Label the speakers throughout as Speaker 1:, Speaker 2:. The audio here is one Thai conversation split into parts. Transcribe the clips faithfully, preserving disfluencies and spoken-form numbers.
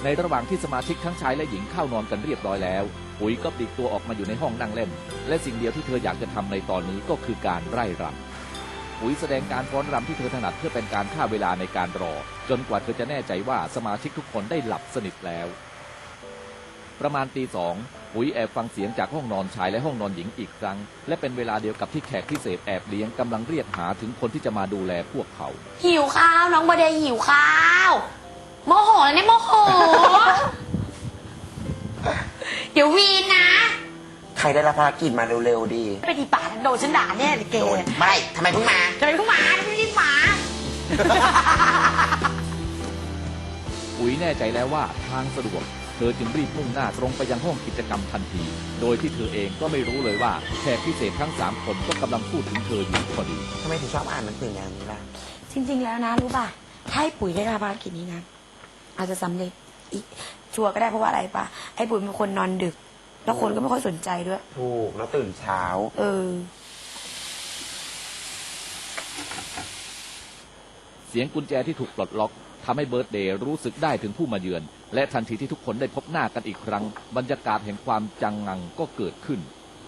Speaker 1: ในระหว่างที่สมาชิกทั้งชายและหญิงเข้านอนกันเรียบร้อยแล้วปุ๋ยก็ปลีกตัวออกมาอยู่ในห้องนั่งเล่นและสิ่งเดียวที่เธออยากจะทำในตอนนี้ก็คือการไร่รำปุ๋ยแสดงการฟ้อนรำที่เธอถนัดเพื่อเป็นการฆ่าเวลาในการรอจนกว่าเธอจะแน่ใจว่าสมาชิกทุกคนได้หลับสนิทแล้วประมาณตีสองปุ๋ยแอบฟังเสียงจากห้องนอนชายและห้องนอนหญิงอีกครั้งและเป็นเวลาเดียวกับที่แขกพิเศษแอบเลี้ยงกำลังเรียกหาถึงคนที่จะมาดูแลพวกเขา
Speaker 2: หิวข้าวน้องเบอร์เดย์หิวข้าวโมโหแล้วเนี่ยโมโห เดี๋ยววีนนะ
Speaker 3: ใครได้รับภารกิจมาเร็วๆดี
Speaker 2: ไปดีป่าโดนฉันด่าแน่เลยเกย์
Speaker 3: ไม่ทำไมเพิ่งมา
Speaker 2: ทำไมเพิ่งมาทำไมรีบมา
Speaker 1: ปุ๋ยแน่ใจแล้วว่าทางสะดวกเธอจึงรีบมุ่งหน้าตรงไปยังห้องกิจกรรมทันทีโดยที่เธอเองก็ไม่รู้เลยว่าแขกพิเศษทั้งสามคนก็กำลังพูดถึงเธออยู่พอดี
Speaker 3: ทำไมถึงชอบอ่านหนังสือแนวนี้ล่ะ
Speaker 2: จริงๆแล้วนะรู้ป่ะถ้าให้ปุ๋ยได้รับภารกิจนี้นะอาจจะสำเร็จอีกชัวร์ก็ได้เพราะว่าอะไรป่ะไอ้ปุ๋ยเป็นคนนอนดึกแล้วคนก็ไม่ค่อยสนใจด้วย
Speaker 3: ถูกแล้วตื่นเช้า
Speaker 2: เออ
Speaker 1: เสียงกุญแจที่ถูกปลดล็อกทำให้เบิร์ธเดย์รู้สึกได้ถึงผู้มาเยือนและทันทีที่ทุกคนได้พบหน้ากันอีกครั้งบรรยากาศแห่งความจังงังก็เกิดขึ้น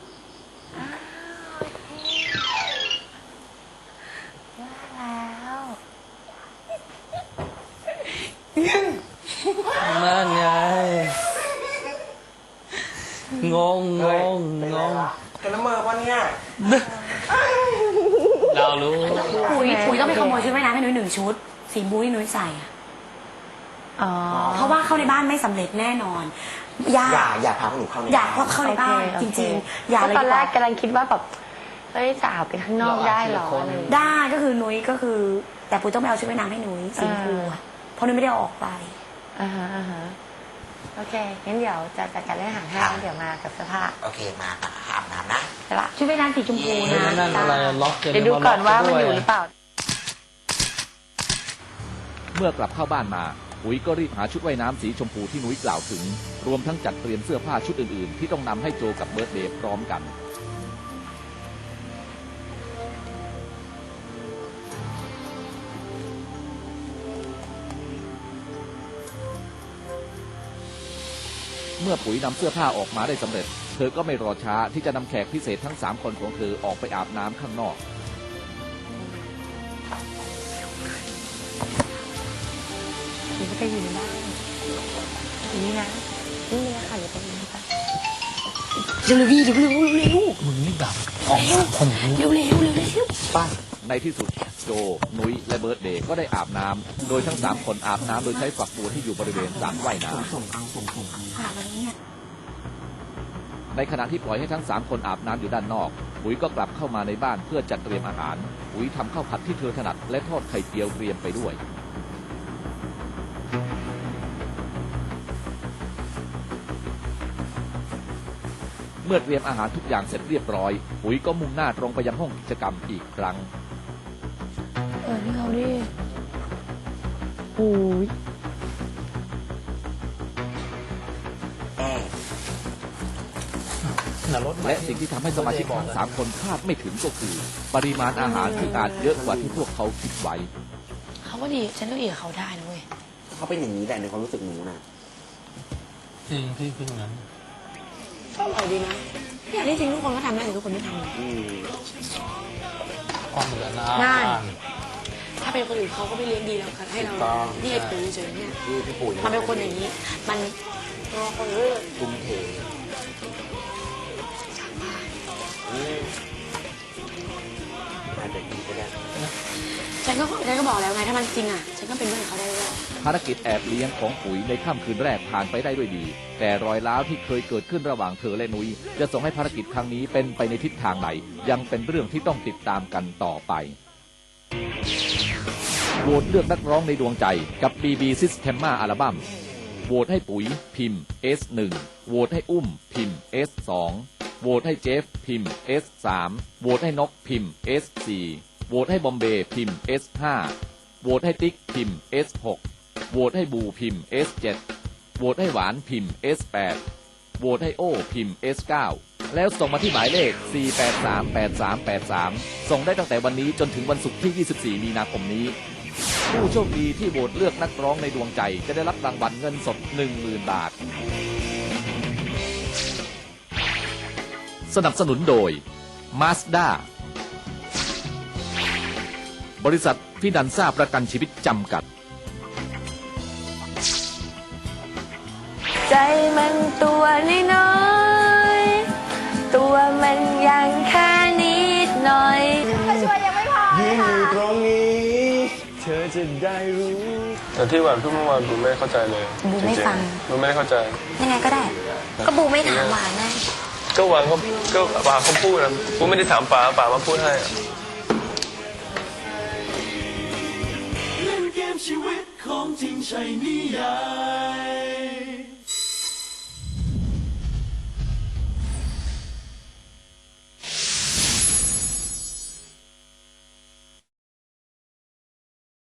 Speaker 4: นั่นไงงงงงงง
Speaker 3: กันละเมอปะเนี่ย
Speaker 4: เรารู้
Speaker 2: ปุ๋ยปุ๋ยต้องไปขโมยชุดว่ายน้ำให้หนุ่ยหนึ่งชุดสีบู๊ที่หนุ่ยใส่อะเพราะว่าเข้าในบ้านไม่สำเร็จแน่นอน
Speaker 3: อย่าอย่าพาหนูเข้าใน
Speaker 2: อยากเข้าในบ้านจริงๆอย่าเลย
Speaker 5: ตอนแรกกำลังคิดว่าแบบเฮ้ยสาวไปข้างนอกได้หรอ
Speaker 2: ได้ก็คือนุ้ยก็คือแต่ปุ๋ยต้องไปเอาชุดว่ายน้ำให้นุ้ยสีบูเพราะนุ้ยไม่ได้ออกไป
Speaker 5: อ่าฮะอ่าฮะโอเคงั้นเดี๋ยวจะจัดการเรื่องอาหารให้เดี๋ยวมากับเสื้อผ้า
Speaker 3: โอเคมาอาบน้ำนะ
Speaker 2: แต่ละชุดว่ายน้ำสีชมพูนะ
Speaker 4: นั่นอะไรล็อกเ
Speaker 5: ดี๋ยวดูก่อนว่ามันอยู่หรือเปล่า
Speaker 1: เมื่อกลับเข้าบ้านมาปุ๋ยก็รีบหาชุดว่ายน้ำสีชมพูที่นุ้ยกล่าวถึงรวมทั้งจัดเตรียมเสื้อผ้าชุดอื่นๆที่ต้องนำให้โจกับเบิร์ธเดย์พร้อมกันเมื่อปุ๋ยนำเสื้อผ้าออกมาได้สำเร็จเธอก็ไม่รอช้าที่จะนำแขกพิเศษทั้งสามคนของเธอออกไปอาบน้ำข้างนอก
Speaker 5: หรือจะอยู่ในบ้านอย่างนี้นะนี่เลยค่ะอยู่ตรงนี้ค่ะ
Speaker 2: เร็วเร็วเร็วเร็วเร็ว
Speaker 4: มึงนี่แบบออกคน
Speaker 2: เร็วเร็วเร็วเร็ว
Speaker 1: ป้าในที่สุดโจนุ้ยและเบิร์ธเดย์ก็ได้อาบน้ำโดยทั้งสามคนอาบน้ำโดยใช้ฝักบัวที่อยู่บริเวณสระว่ายน้ำในขณะที่ปล่อยให้ทั้งสามคนอาบน้ำอยู่ด้านนอกปุ๋ยก็กลับเข้ามาในบ้านเพื่อจัดเตรียมอาหารปุ๋ยทำข้าวผัดที่เธอถนัดและทอดไข่เจียวเตรียมไปด้วยเมื่อเตรียมอาหารทุกอย่างเสร็จเรียบร้อยปุ๋ยก็มุ่งหน้าตรงไปยังห้องกิจกรรมอีกครั้ง
Speaker 2: เออนี่เขาดิโอ้ย
Speaker 1: และสิ่งที่ทำให้สมาชิกทั้งสามคนคาดไม่ถึงก็คือปริมาณอาหารที่อาจเยอะกว่าที่พวกเขาคิดไว้
Speaker 2: เขาก็ดีฉันก็ดีกับเขาได้นะเว้ย
Speaker 3: เขาเป็นอย่างนี้แหละในความรู้สึกหนูนะ
Speaker 4: จริงพี่พี่งั้น
Speaker 2: ก็อร่อยดีนะเนี่ยที่จริงทุกคนก็ทำได้แต่ทุกคนไม่ทำ
Speaker 4: ความเหมือนนะ
Speaker 2: ถ้าเป็นคนอื่นเขาก็ไม่เลี้ยงดีแล้วค่ะให้เราที่ให้ปุ๋ยเฉยเนี่ยมันเป็นคนอย่างนี้มันตัวคนเลือก
Speaker 3: ตุ้มเทอาจจะดีก็ได้
Speaker 2: ฉันก็ฉันก็บอกแล้วไงถ้ามันจริงอ่ะฉันก็เป็นเพื่อนเขาได้ด้วย
Speaker 1: ภารกิจแอบเลี้ยงของปุ๋ยในค่ำคืนแรกผ่านไปได้ด้วยดีแต่รอยร้าวที่เคยเกิดขึ้นระหว่างเธอและนุ้ยจะส่งให้ภารกิจครั้งนี้เป็นไปในทิศทางไหนยังเป็นเรื่องที่ต้องติดตามกันต่อไปโหวตเลือกนักร้องในดวงใจกับ บี บี Systema อัลบั้มโหวตให้ปุ๋ยพิมพ์ เอส หนึ่ง โหวตให้อุ้มพิมพ์ เอส สอง โหวตให้เจฟพิมพ์ เอส สาม โหวตให้นกพิมพ์ เอส สี่ โหวตให้บอมเบย์พิมพ์ เอส ห้า โหวตให้ติ๊กพิมพ์ เอส หก โหวตให้บูพิมพ์ เอส เจ็ด โหวตให้หวานพิมพ์ เอส แปด โหวตให้โอพิมพ์ เอส เก้า แล้วส่งมาที่หมายเลข สี่ แปด สาม แปด สาม แปด สาม ส่งได้ตั้งแต่วันนี้จนถึงวันศุกร์ที่ ยี่สิบสี่ มีนาคมนี้ผู้โชคดีที่โหวตเลือกนักร้องในดวงใจจะได้รับรางวัลเงินสด หนึ่งหมื่น บาท สนับสนุนโดย Mazda บริษัทฟินันซ่าประกันชีวิตจำกัด
Speaker 5: ใจมันตัวน้อยๆตัวมันยังแค่นิดหน่อย
Speaker 6: ยืนอยู่ตรงนี้ เธอจะได้รู้
Speaker 7: แต่ที่หวานพูดเมื่อวานบูไม่เข้าใจเลย
Speaker 5: บูไม่ฟัง
Speaker 7: บูไม่ได้เข้าใจ
Speaker 5: ยังไงก็ได้ ก็บูไม่ถามหวานนะ
Speaker 7: ก็หวานเขาก็ป๋าเขาพูดนะบูไม่ได้ถามป๋าป๋ามาพูดให้อะ
Speaker 6: เล่นเกมชีวิตของจริงใช่นิยาย